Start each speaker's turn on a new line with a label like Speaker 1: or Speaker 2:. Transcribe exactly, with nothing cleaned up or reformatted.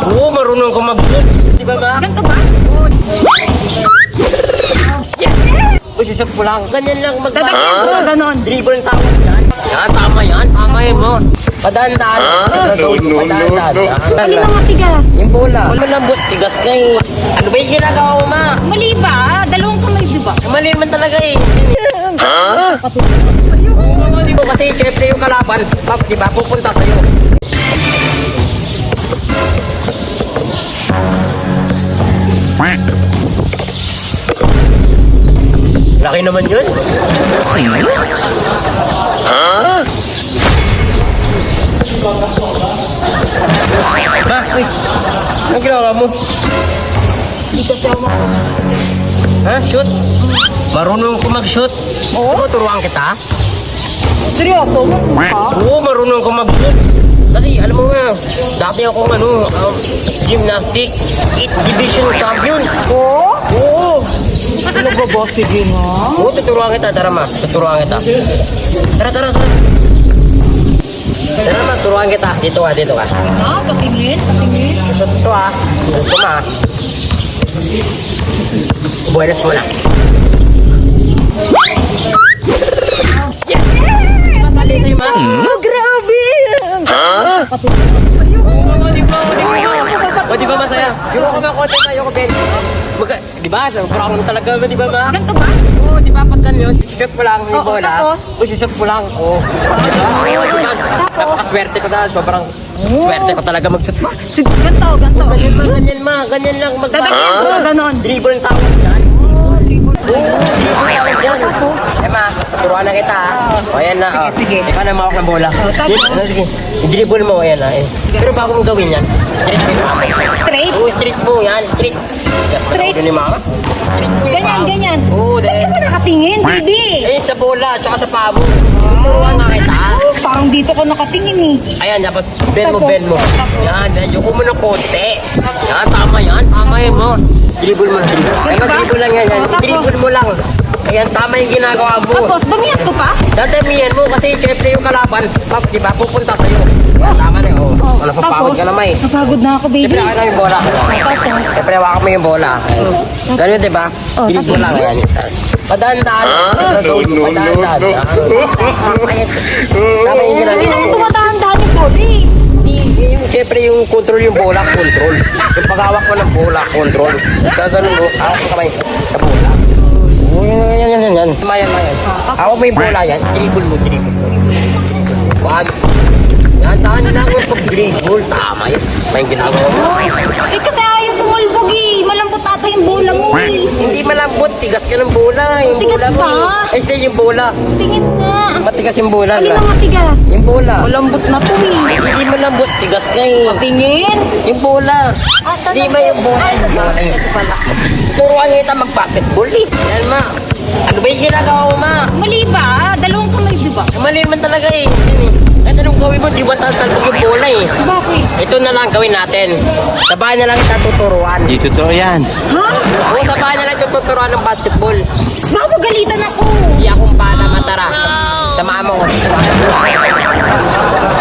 Speaker 1: Oo, marunong ko mag-shoot. Di ba ba?
Speaker 2: Ganito ba?
Speaker 1: Uy, susok mo lang. Ganyan lang mag-
Speaker 2: Dadagyan ko, ganon.
Speaker 1: Dribble ang tawag yan. Yan, tama yan. Tama yan mo. Padaan-daan.
Speaker 3: No, no, no, no.
Speaker 2: Alin ang matigas?
Speaker 1: Yung bola. Malambot, tigas ka eh. Ano ba yung ginagawa mo, ma?
Speaker 2: Mali ba? Dalawang kamay, di ba?
Speaker 1: Mali naman talaga eh.
Speaker 2: Sa'yo.
Speaker 1: Oo, di ba kasi syempre yung kalaban, pap, di ba, pupunta sa'yo. Laki naman yun. Ba, uy, anong ginawa mo?
Speaker 2: Hindi kasi ako mag-
Speaker 1: Ha? Shoot? Marunong ko mag-shoot? Oo. Turuan kita?
Speaker 2: Seryoso? Ha?
Speaker 1: Oo, marunong ko mag-shoot. Kasi alam mo nga, dati akong ano, um, gymnastic, eighth division champion.
Speaker 2: Oo?
Speaker 1: Oo.
Speaker 2: Ano ba ba? Sige nga.
Speaker 1: Oo, tuturuan kita, tara ma, tuturuan kita. Tara, tara, tara. Tara ma, turuan kita. Dito ka, dito ka.
Speaker 2: Ha? Patingin? Patingin?
Speaker 1: Ito, ito ah. Ito ma. Buenas mo na. Madali tayo ma.
Speaker 2: Oh, grabe!
Speaker 1: Sa'yo. Oo, di ba, di ba? O, di ba masaya? Yung ako makote tayo ko, Ben. Magka, di ba? Parang talaga, di ba ma?
Speaker 2: Ganito ba?
Speaker 1: Oo, di ba pag ganyan, shoot mo lang yung
Speaker 2: Oo,
Speaker 1: bola.
Speaker 2: tapos?
Speaker 1: O, shoot mo lang. Oo. Diba? Oo, diba? Napakaswerte ko na. Sobrang swerte ko talaga mag-shoot ma.
Speaker 2: Sige, ganito, ganito.
Speaker 1: Ganyan ma, ganyan ma. Ganyan lang mag-
Speaker 2: Dadagyan ko, ganon.
Speaker 1: Dribble ang tawag dyan.
Speaker 2: Oo, dribble.
Speaker 1: Oo, dribble ang tawag dyan. Eh ma, turuan na kita ha. O ayan na.
Speaker 2: Sige,
Speaker 1: oh.
Speaker 2: sige.
Speaker 1: Ikaw na mawak ng bola.
Speaker 2: Oh, tapos?
Speaker 1: Yun, ano, sige. I-dribble mo, ayan na. Eh. Pero bago mong gawin yan, straight mo yung paa.
Speaker 2: Straight?
Speaker 1: Oo, straight mo yan. Straight.
Speaker 2: Straight?
Speaker 1: Yun yung mama. Straight mo yung
Speaker 2: Ganyan,
Speaker 1: paa.
Speaker 2: ganyan.
Speaker 1: Oo,
Speaker 2: Saan
Speaker 1: dahil.
Speaker 2: ka ba nakatingin, baby?
Speaker 1: Eh, sa bola, tsaka sa paa mo. Turuan nga kita.
Speaker 2: Oh, parang dito ko nakatingin eh.
Speaker 1: Ayan, dapat bend mo,
Speaker 2: Tapos,
Speaker 1: bend mo.
Speaker 2: tapos.
Speaker 1: Yan, medyo ko mo ng konti. Yan, tama yan, tama yan mo. Dribble mo, dribble. Ay,
Speaker 2: Diba?
Speaker 1: mag-dribble lang yan, yan.
Speaker 2: Oh, tapos.
Speaker 1: Dribble mo lang. Ayan, tama yung ginagawa mo.
Speaker 2: Tapos, damihan ko pa?
Speaker 1: Dadamihan mo kasi syempre yung kalaban, pap, di ba, pupunta sa'yo. Yan, tama na yun. Oh.
Speaker 2: Oh,
Speaker 1: Wala pang pagod ka na, may.
Speaker 2: napagod na ako, baby.
Speaker 1: Siyempre, akin na yung bola.
Speaker 2: Tapos,
Speaker 1: Siyempre, hawakan mo yung bola. Ganun, di ba?
Speaker 2: Oh,
Speaker 1: Dribble
Speaker 2: tapos.
Speaker 1: lang yan. Padaan-daan.
Speaker 3: No, no,
Speaker 1: Padaan-daan.
Speaker 3: no, no.
Speaker 1: Ayan. Tama yung
Speaker 2: hindi
Speaker 1: ginagawa
Speaker 2: naman
Speaker 1: mo.
Speaker 2: tumatahan-tahan yung body.
Speaker 1: Hindi, yung, siyempre yung control yung bola, control. Yung paghawak mo ng bola, control. Gaganon mo, hawak mo kamay sa bola. Oo, yan, yan, yan, yan, yan. Mayan, mayan. Hawak mo yung bola yan, dribble mo, dribble mo. Wag. Yan, tahan lang yung pag-dribble. Tama yun. May ginagawa mo.
Speaker 2: Eh, kasi ayaw tumulbog eh. Malambot ata yung bola mo eh.
Speaker 1: Hindi malambot, tigas ka ng bola. Yung
Speaker 2: Tigas
Speaker 1: bola mo.
Speaker 2: ba?
Speaker 1: Eh, stay yung bola.
Speaker 2: Tingin nga.
Speaker 1: Matigas yung bola.
Speaker 2: Alin
Speaker 1: diba?
Speaker 2: ang matigas?
Speaker 1: Yung bola.
Speaker 2: Malambot na to eh.
Speaker 1: Hindi malambot, tigas ka eh.
Speaker 2: Tingin.
Speaker 1: Yung bola.
Speaker 2: Asan
Speaker 1: Di
Speaker 2: ang-
Speaker 1: ba yung bola?
Speaker 2: Ay,
Speaker 1: Yung bola yun.
Speaker 2: ito pala.
Speaker 1: Turuan kita mag-basketball eh. Yan ma. Ano ba yung ginagawa mo ma?
Speaker 2: Mali ba? Dalawang kamay, di ba?
Speaker 1: Mali naman talaga eh. Yan eh. Kahit anong gawin mo, di ba tatalbog yung bola eh.
Speaker 2: Bakit?
Speaker 1: Ito na lang gawin natin. Sa bahay na lang kita tuturuan.
Speaker 3: Di totoo yan.
Speaker 2: Ha?
Speaker 1: Oo, sa bahay na lang ito tuturuan ng basketball.
Speaker 2: Baka magalitan ako.
Speaker 1: Hindi akong bala matara. Sa mama ko.